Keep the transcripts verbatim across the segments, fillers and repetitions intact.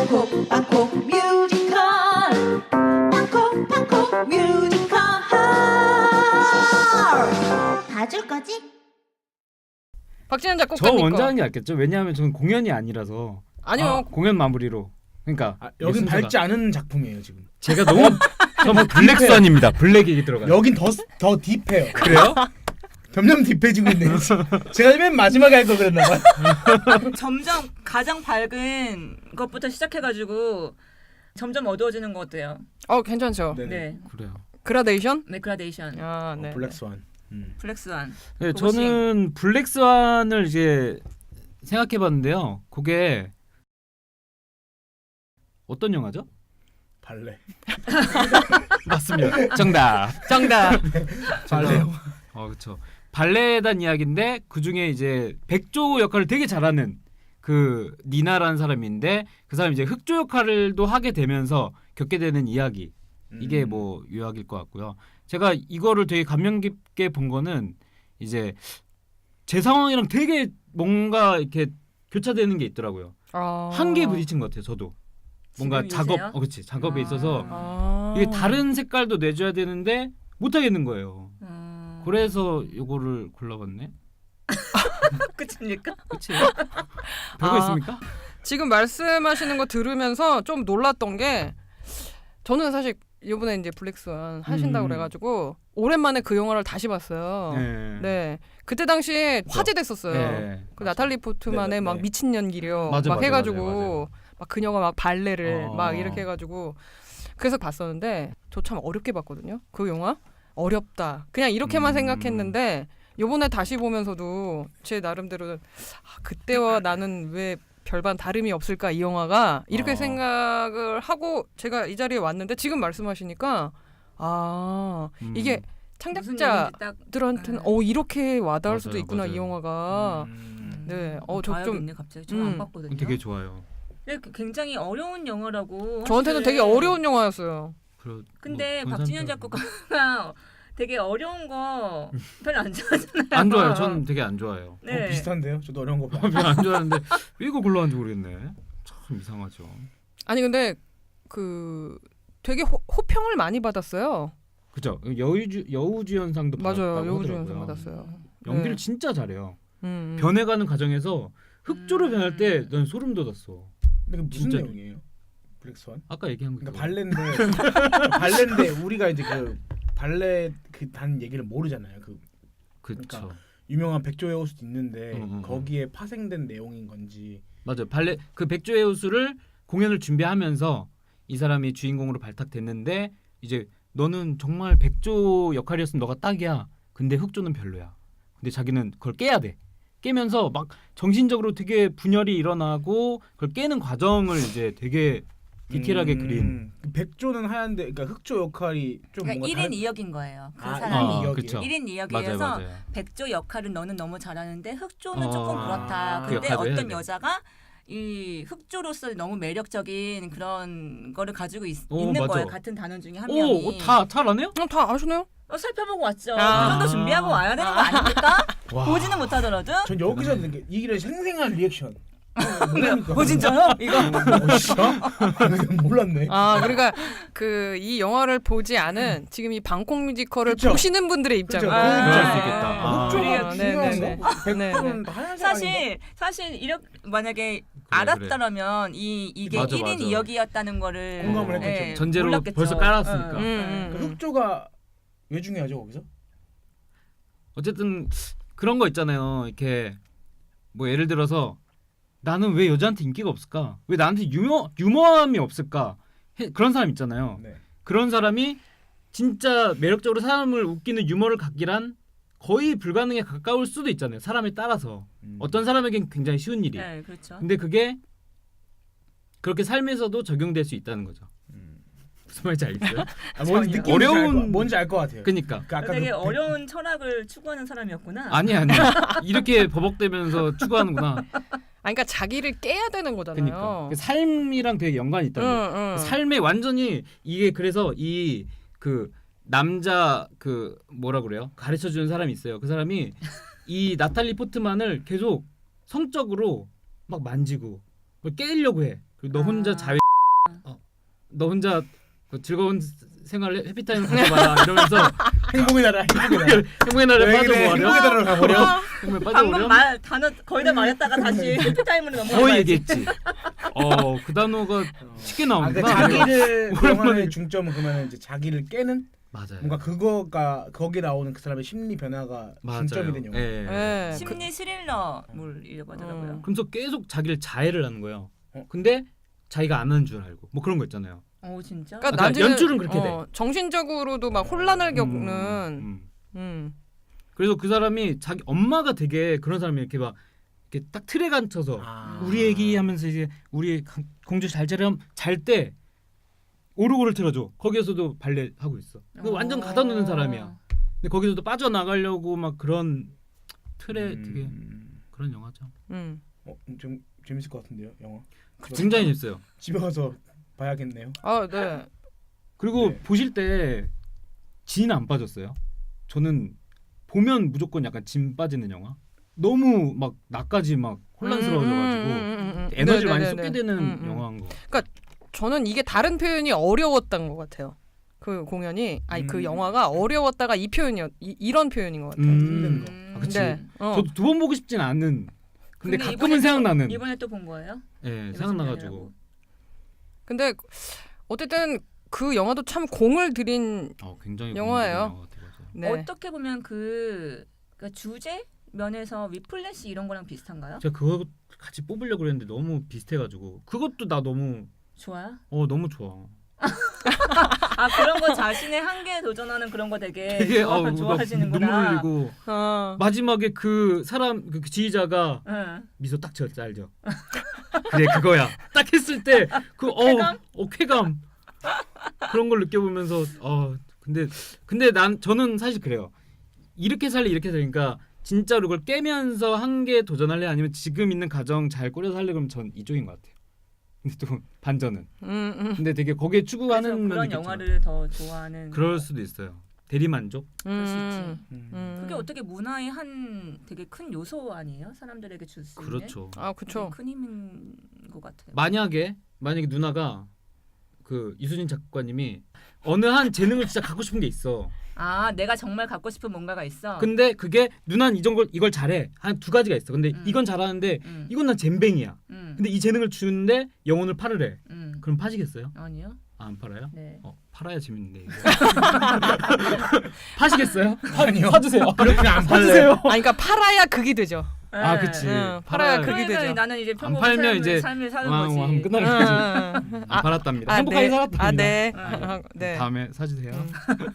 방콕 방콕 뮤지컬 방콕 방콕 뮤지컬 봐줄 거지? 박진현 저 작곡가님 원작이 낫겠죠. 왜냐하면 저는 공연이 아니라서. 아니요. 아, 공연 마무리로. 그러니까 아, 여긴 순서가. 밝지 않은 작품이에요 지금. 제가 너무 저뭐 블랙스완입니다. 블랙이 들어가. 여긴 더 더 딥해요. 그래요? 점점 딥해지고 있네요. 제가 맨 마지막에 할 거 그랬나 봐요. 점점 가장 밝은 것부터 시작해가지고 점점 어두워지는 것 같아요. 어 괜찮죠. 네네. 네, 그래요. 그라데이션? 네 그라데이션, 아 네. 어, 블랙스완. 음. 블랙스완. 네, 그것이- 저는 블랙스완을 이제 생각해봤는데요. 그게 어떤 영화죠? 발레. 맞습니다. 정답. 정답. 발레. 어, 그렇죠. 발레에 대한 이야기인데 그 중에 이제 백조 역할을 되게 잘하는 그 니나라는 사람인데 그 사람이 이제 흑조 역할도 하게 되면서 겪게 되는 이야기. 이게 음. 뭐 유학일 것 같고요. 제가 이거를 되게 감명 깊게 본 거는 이제 제 상황이랑 되게 뭔가 이렇게 교차되는 게 있더라고요. 아. 한계에 부딪힌 것 같아요. 저도 뭔가 지금 작업, 이세요? 어, 그렇지 작업에 아. 있어서 아. 이게 다른 색깔도 내줘야 되는데 못 하겠는 거예요. 음... 그래서 이거를 골라봤네. 끝입니까? 그렇지? 별거 아. 있습니까? 지금 말씀하시는 거 들으면서 좀 놀랐던 게 저는 사실 이번에 이제 블랙스완 하신다고 음. 그래가지고 오랜만에 그 영화를 다시 봤어요. 네. 네. 그때 당시에 그죠. 화제됐었어요. 네. 그 나탈리 포트만의 네, 네, 막 네. 미친 연기력 맞아, 막 맞아, 해가지고 맞아요, 맞아요. 막 그녀가 막 발레를 어. 막 이렇게 해가지고 그래서 봤었는데 저 참 어렵게 봤거든요. 그 영화 어렵다. 그냥 이렇게만 음. 생각했는데 요번에 다시 보면서도 제 나름대로 아, 그때와 나는 왜 별반 다름이 없을까 이 영화가 이렇게 어. 생각을 하고 제가 이 자리에 왔는데 지금 말씀하시니까 아 음. 이게 무슨 창작자 얘기인지 딱 들한테는 네. 어 이렇게 와닿을 맞아요, 수도 있구나 맞아요. 이 영화가 음. 네, 어, 저 좀- 봐야겠네 갑자기. 저는 안 음. 봤거든요. 되게 좋아요. 근데 굉장히 어려운 영화라고. 저한테는 되게 하시길래. 어려운 영화였어요. 그러, 근데 뭐 박진현 권상병. 작곡가가 되게 어려운 거 별로 안 좋아하잖아요. 안 좋아요. 저는 되게 안 좋아해요. 네. 어, 비슷한데요? 저도 어려운 거 봐. 별로 안 좋아하는데 왜 이거 골라왔는지 모르겠네. 참 이상하죠. 아니 근데 그 되게 호, 호평을 많이 받았어요. 그죠? 여우주 여우주연상도 맞아요, 받았다고 여우주연상 하더라고요. 받았어요. 연기를 네. 진짜 잘해요. 음, 음. 변해가는 과정에서 흑조로 음. 변할 때 난 소름 돋았어. 근데 그 무슨 진짜. 내용이에요? 블랙스완? 아까 얘기한 거. 그러니까 발레인데 발레인데 우리가 이제 그 발레 그 단 얘기를 모르잖아요. 그 그쵸. 그러니까 유명한 백조의 호수도 있는데 음, 음, 음. 거기에 파생된 내용인 건지. 맞아요. 발레 그 백조의 호수를 공연을 준비하면서 이 사람이 주인공으로 발탁됐는데 이제 너는 정말 백조 역할이었으면 너가 딱이야. 근데 흑조는 별로야. 근데 자기는 그걸 깨야 돼. 깨면서 막 정신적으로 되게 분열이 일어나고 그걸 깨는 과정을 이제 되게 디테일하게 음, 그린. 그 백조는 하얀데 그러니까 흑조 역할이 좀 그러니까 뭔가 일 인 다른- 이 역인 거예요. 그 아, 사람이. 일 인 이 역이에요? 그쵸. 일 인 이 맞아요, 역이어서 맞아요. 백조 역할은 너는 너무 잘하는데 흑조는 어, 조금 그렇다. 그 근데 역할도 해야 어떤 돼. 여자가 이 흑조로서 너무 매력적인 그런 거를 가지고 있, 오, 있는 맞아. 거예요. 같은 단원 중에 한 명이. 오, 다 잘 안 해요? 어, 다 아시네요? 어, 살펴보고 왔죠. 아. 그 정도 준비하고 와야 되는 거 아닙니까? 와. 보지는 못하더라도. 전 여기서 듣는 게 이게 생생한 리액션. 뭐랍니까? 어 진짜요? 이거 어, 진짜? 몰랐네. 아 그러니까 그 이 영화를 보지 않은 지금 이 방콕 뮤지컬을 그쵸. 보시는 분들의 입장. 그쵸, 아, 그럴 수 네. 있겠다. 아. 흑조가 네, 네, 네. 중요한가? 백조는 다 하얀색 아닌가? 사실 사실 이렇게 만약에 알았더라면 이 이게 맞아, 일 인 맞아. 이 역이었다는 거를 공감을 했겠죠. 예, 전제로 몰랐겠죠. 벌써 깔았으니까. 응, 응. 음, 그 흑조가 왜 중요하죠 거기서? 어쨌든 그런 거 있잖아요. 이렇게 뭐 예를 들어서 나는 왜 여자한테 인기가 없을까? 왜 나한테 유머 유머함이 없을까? 해, 그런 사람 있잖아요. 네. 그런 사람이 진짜 매력적으로 사람을 웃기는 유머를 갖기란 거의 불가능에 가까울 수도 있잖아요. 사람에 따라서 음. 어떤 사람에겐 굉장히 쉬운 일이. 네, 그렇죠. 근데 그게 그렇게 삶에서도 적용될 수 있다는 거죠. 음. 무슨 말인지 알겠어요? 아, 뭔지 느낌이 어려운- 뭔지 알 것 같아요. 그러니까 그 아까 되게 그 어려운 철학을 추구하는 사람이었구나. 아니 아니 이렇게 버벅대면서 추구하는구나. 아니, 그러니까 자기를 깨야 되는 거잖아요. 그러니까 그 삶이랑 되게 연관이 있다는 거예요. 응, 응. 그 삶에 완전히 이게 그래서 이 그 남자 그 뭐라 그래요? 가르쳐 주는 사람이 있어요. 그 사람이 이 나탈리 포트만을 계속 성적으로 막 만지고 뭘 깨려고 해. 그리고 너 혼자 아. 자위 어, 너 혼자 그 즐거운 생활 해피타임 가져봐라 이러면서 행복의 나라, 행복의 나라. 행복의 나라에 여행을 빠져버려. 행복의 나라로 가버려. 행복에 방금 빠져버려. 말 단어 거의 다 말했다가 다시 해피타임으로 더 넘어가야지. 얘기했지. 어, 그 단어가 쉽게 아, 그 나오는구나. 자기를 그 오랜만에. 영화의 중점은 그러면 이제 자기를 깨는 맞아요. 뭔가 그거가 거기 나오는 그 사람의 심리 변화가 맞아요. 중점이 된 영화. 예. 예. 그, 심리 스릴러물이라고 하더라고요. 음. 그러면서 계속 자기를 자해를 하는 거예요. 어? 근데 자기가 안 하는 줄 알고 뭐 그런 거 있잖아요. 오 진짜? 그러니까 그러니까 나중에- 연출은 그렇게 어, 정신적으로도 막 혼란을 겪는. 음, 음. 음. 그래서 그 사람이 자기 엄마가 되게 그런 사람이 이렇게 막 이렇게 딱 틀에 갇혀서 아. 우리 애기 하면서 이제 우리 강- 공주 잘 자렴 잘 때 오르골을 틀어줘. 거기에서도 발레 하고 있어. 그 완전 가다 놓는 사람이야. 근데 거기서도 빠져나가려고 막 그런 틀에 음. 되게 그런 영화죠. 음. 어, 좀 재밌을 것 같은데요, 영화. 굉장히 재밌어요. 집에 가서 봐야겠네요. 아, 네. 그리고 네. 보실 때 진 안 빠졌어요. 저는 보면 무조건 약간 진 빠지는 영화. 너무 막 나까지 막 혼란스러워져가지고 음, 음, 음, 음. 에너지를 많이 네네네네. 쏟게 되는 음, 음. 영화인 거. 저는 이게 다른 표현이 어려웠던 것 같아요. 그 공연이 아니 그 음. 영화가 어려웠다가 이 표현이었 이, 이런 표현인 것 같아요. 힘든 거. 음. 아, 그치. 네. 어. 저도 두 번 보고 싶진 않은. 근데, 근데 가끔은 이번에도- 생각나는. 이번에 또 본 거예요? 예, 이번 생각나가지고. 장면이라고. 근데 어쨌든 그 영화도 참 공을 들인 어, 굉장히 영화예요. 공부된 영화 같아요, 맞아요. 네. 어떻게 보면 그, 그 주제 면에서 위플래시 이런 거랑 비슷한가요? 제가 그거 같이 뽑으려고 그랬는데 너무 비슷해가지고 그것도 나 너무 좋아요? 어 너무 좋아. 아 그런 거 자신의 한계에 도전하는 그런 거 되게, 되게 좋아, 어, 나 좋아하시는구나. 눈물 흘리고 어. 마지막에 그 사람 그 지휘자가 응. 미소 딱 지었지 알죠? 그래 그거야. 딱 했을 때 그 어, 쾌감? 어 쾌감 그런 걸 느껴보면서 어 근데 근데 난 저는 사실 그래요. 이렇게 살래 이렇게 살니까 진짜로 그걸 깨면서 한계에 도전할래 아니면 지금 있는 가정 잘 꾸려 살래 그러면 전 이쪽인 것 같아요. 근데 또 반전은. 음, 음. 근데 되게 거기에 그래서 추구하는 면이 그런 있겠죠. 영화를 더 좋아하는. 그럴 수도 있어요. 대리만족. 그럴 수 있지. 음. 음. 음. 그게 어떻게 문화의 한 되게 큰 요소 아니에요? 사람들에게 줄 수 있는. 그렇죠. 아, 그쵸. 큰 힘인 것 같아요. 만약에 만약에 누나가 그 이수진 작가님이 어느 한 재능을 진짜 갖고 싶은 게 있어. 아 내가 정말 갖고 싶은 뭔가가 있어. 근데 그게 누나는 이런 걸 이걸 잘해. 한 두 가지가 있어. 근데 음. 이건 잘하는데 음. 이건 난 젬뱅이야. 음. 근데 이 재능을 주는데 영혼을 팔으래. 음. 그럼 파시겠어요? 아니요. 아, 안 팔아요? 네. 어, 팔아야 재밌는데 이거. 파시겠어요? 아니요. 사주세요. 그렇게 안 사주세요. 아, 그러니까 팔아야 극이 되죠. 아, 네. 그치. 응, 팔아야 팔아야- 그게 그러니까 되죠. 나는 이제 안 평범한 팔면 삶을, 이제 삶을 사는 왕, 거지. 왕 하면 끝나는 응, 거지. 응, 응. 안 팔았답니다. 아, 행복하게 네. 살았답니다. 아, 네. 아, 아, 네. 다음에 사주세요. 음.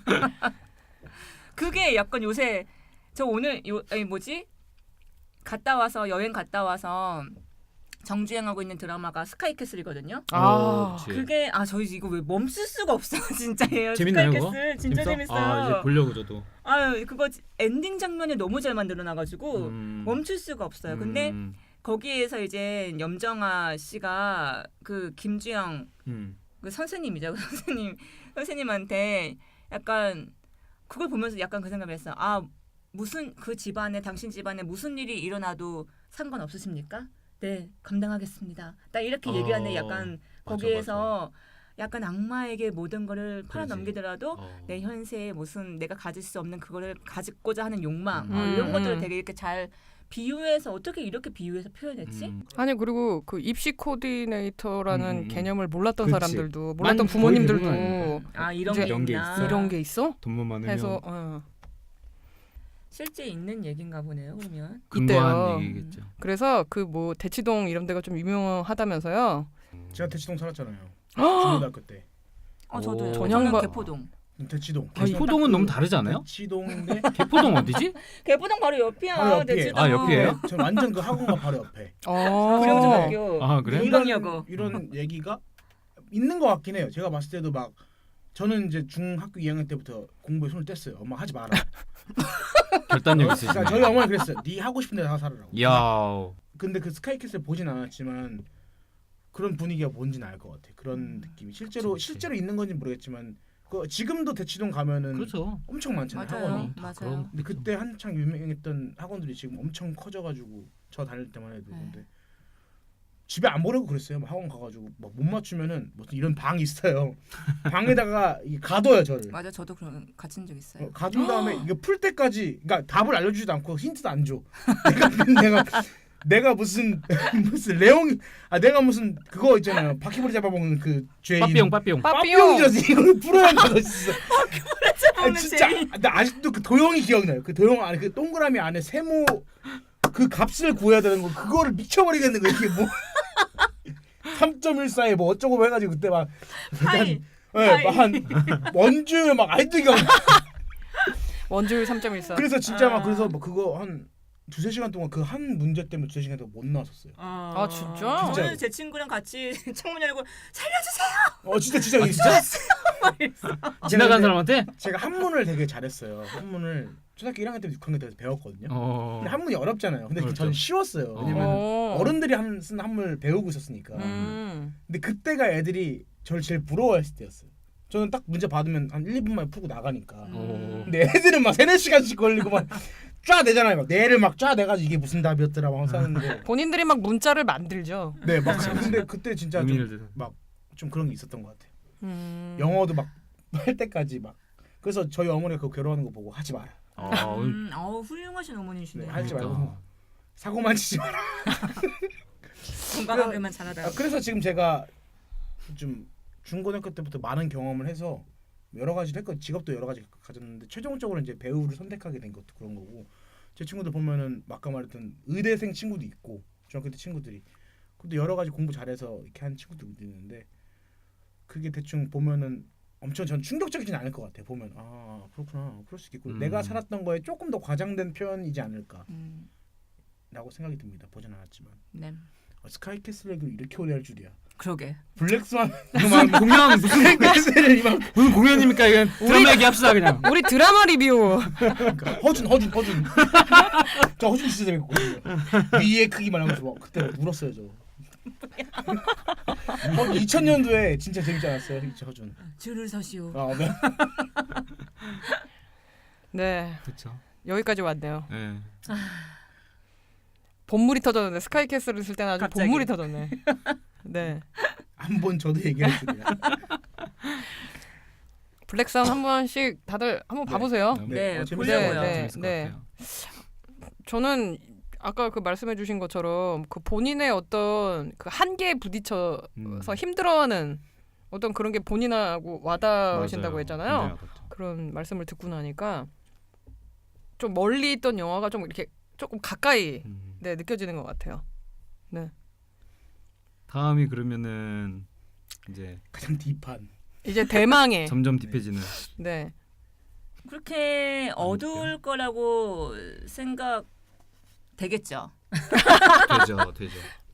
그게 약간 요새 저 오늘 요 아니 뭐지 갔다 와서 여행 갔다 와서 정주행하고 있는 드라마가 스카이캐슬이거든요. 아, 그치. 그게 아 저희 이거 왜 멈출 수가 없어 진짜예요. 재밌나요, 그거? 스카이캐슬 진짜 재밌어? 재밌어요. 아, 이제 보려고 저도. 아유 그거 엔딩 장면이 너무 잘 만들어놔가지고 음. 멈출 수가 없어요. 근데 음. 거기에서 이제 염정아 씨가 그 김주영 음. 그 선생님이죠. 그 선생님 선생님한테 약간 그걸 보면서 약간 그 생각을 했어. 아 무슨 그 집안에 당신 집안에 무슨 일이 일어나도 상관 없으십니까? 네 감당하겠습니다. 딱 이렇게 어, 얘기하는 약간 맞아, 거기에서 약간 악마에게 모든 거를 팔아 그러지. 넘기더라도 어. 내 현세에 무슨 내가 가질 수 없는 그거를 가지고자 하는 욕망 음. 어, 이런 음, 것들을 음. 되게 이렇게 잘 비유해서 어떻게 이렇게 비유해서 표현했지? 음. 아니 그리고 그 입시 코디네이터라는 음, 음. 개념을 몰랐던 그치. 사람들도 몰랐던 많이 부모님들도 거의 대부분 아 이런 이제 게 이런 게 있나? 있어. 이런 게 있어? 돈만 많으면 해서 어. 실제 있는 얘긴가 보네요. 그러면 근거한 있대요. 얘기겠죠. 그래서 그 뭐 대치동 이런 데가 좀 유명하다면서요. 제가 대치동 살았잖아요. 중고등학교 때. 어 저도요. 오. 저는 전형바- 개포동. 대치동. 아, 포동은 너무 다르지 않아요? 대치동인데 개포동 어디지? 개포동 바로 옆이야. 바로 옆이에요. 대치동. 아, 옆이에요? 전 완전 그 학원과 바로 옆에. 어. 구룡중학교. 아, 그래? 인강여고. 이런, 이런 얘기가 있는 것 같긴 해요. 제가 봤을 때도 막 저는 이제 중학교 이 학년 때부터 공부에 손을 뗐어요. 엄마 하지 마라. 결단력 그러니까 있으시네. 저희 어머니 그랬어요. 네 하고 싶은 데다 살으라고. 야. 근데 그 스카이캐슬 보진 않았지만 그런 분위기가 뭔지는 알 것 같아. 그런 느낌이 실제로 그치, 그치. 실제로 있는 건지 모르겠지만 그 지금도 대치동 가면은 그렇죠. 엄청 많잖아요. 맞아요. 학원이. 다 맞아요. 그런- 근데 그때 한창 유명했던 학원들이 지금 엄청 커져가지고 저 다닐 때만 해도 네. 근데 집에 안 보내고 그랬어요. 막 학원 가가지고 막 못 맞추면은 무슨 이런 방이 있어요. 방에다가 이게 가둬요 저를. 맞아, 저도 그런 갇힌 적 있어요. 어, 가둔 다음에 이거 풀 때까지, 그러니까 답을 알려주지도 않고 힌트도 안 줘. 내가 내가 내가 무슨 무슨 레옹 아 내가 무슨 그거 있잖아요. 바퀴벌레 잡아먹는 그 죄인. 빠삐용 빠삐용. 빠삐용이라서 이걸 풀어야 한다고 진짜. 아, 먹는 진짜 죄인. 나 아직도 그 도형이 기억나요. 그 도형 안에 그 동그라미 안에 세모 그 값을 구해야 되는 거 그거를 미쳐버리겠는 거 이게 뭐 삼 점 일사에 뭐 어쩌고 해가지고 그때 막 파이. 예, 한 원주 막 아직도 기억. 원줄 삼 점 일사. 그래서 진짜 막 아. 그래서 뭐 그거 한 두세 시간 동안 그 한 문제 때문에 두세 시간 동안 못 나왔었어요. 아, 진짜? 저는 제 친구랑 같이 창문 열고 살려주세요. 어 진짜 진짜 진짜 지나간 사람한테? 제가 한문을 되게 잘했어요. 한문을 초등학교 일 학년 때부터 육 학년 때부터 배웠거든요. 어. 근데 한문이 어렵잖아요. 근데 어렵죠. 저는 쉬웠어요. 왜냐면 어. 어른들이 한, 쓴 한문을 배우고 있었으니까. 음. 근데 그때가 애들이 저를 제일 부러워했을 때였어요. 저는 딱 문제 받으면 한 일, 이 분만 풀고 나가니까. 어. 근데 애들은 막 세네 시간씩 걸리고 막 쫙 내잖아요. 막 뇌를 막 쫙 내가지고 이게 무슨 답이었더라 막 하는데. 본인들이 막 문자를 만들죠. 네, 막 근데 그때 진짜 의미를 좀, 들. 좀 그런 게 있었던 것 같아요. 음. 영어도 막 할 때까지 막. 그래서 저희 어머니가 그거 괴로워하는 거 보고 하지 마라. 어. 음, 어우 훌륭하신 어머니시네. 네, 하지 말고 그러니까. 사고만 치지 마라. 건강하게만 잘하다. 아, 그래서 지금 제가 좀 중고등학교 때부터 많은 경험을 해서 여러 가지를 했고 직업도 여러 가지 가졌는데 최종적으로 이제 배우를 선택하게 된 것도 그런 거고 제 친구들 보면은 아까 말했던 의대생 친구도 있고 중학교 때 친구들이 근데 여러 가지 공부 잘해서 이렇게 한 친구도 있는데 그게 대충 보면은 엄청 전 충격적이진 않을 것 같아요. 보면 아 그렇구나 그럴 수 있겠고 음. 내가 살았던 거에 조금 더 과장된 표현이지 않을까라고 음, 생각이 듭니다. 보진 않았지만 네. 어, 스카이캐슬 얘기를 이렇게 오래 할 줄이야. 그러게. 블랙스완 무슨 공연 무슨 스카이캐슬을 이만 무슨 공연입니까? 이건 드라마 얘기합시다 그냥. 우리 드라마 리뷰. 그러니까 허준 허준 허준 저 허준 진짜 재밌거든요. 위의 크기만 하면 좋아. 그때 울었어요 저. 어, 이천 년도에 진짜 재밌지 않았어요 저 허준. 줄을 서시오. 아, 네. 네, 그렇죠. 여기까지 왔네요. 예. 본물이 터졌네. 스카이캐슬을 쓸 때는 아주 갑자기. 본물이 터졌네. 네. 한번 저도 얘기할 줄이야. 블랙스완 한 번씩 다들 한번 네. 봐보세요. 네, 어, 재밌어요. 보려고요. 네, 재밌을 것 네. 같아요. 저는 아까 그 말씀해주신 것처럼 그 본인의 어떤 그 한계에 부딪혀서 음. 힘들어하는 어떤 그런 게 본인하고 와닿으신다고 맞아요. 했잖아요. 굉장히 와닿죠. 그런 말씀을 듣고 나니까 좀 멀리 있던 영화가 좀 이렇게 조금 가까이 음. 네, 느껴지는 것 같아요. 다음이 그러면은 이제 가장 딥한. 이제 대망의 점점 딥해지는. 네. 그렇게 어두울 거라고 생각 되겠죠. 되죠, 되죠.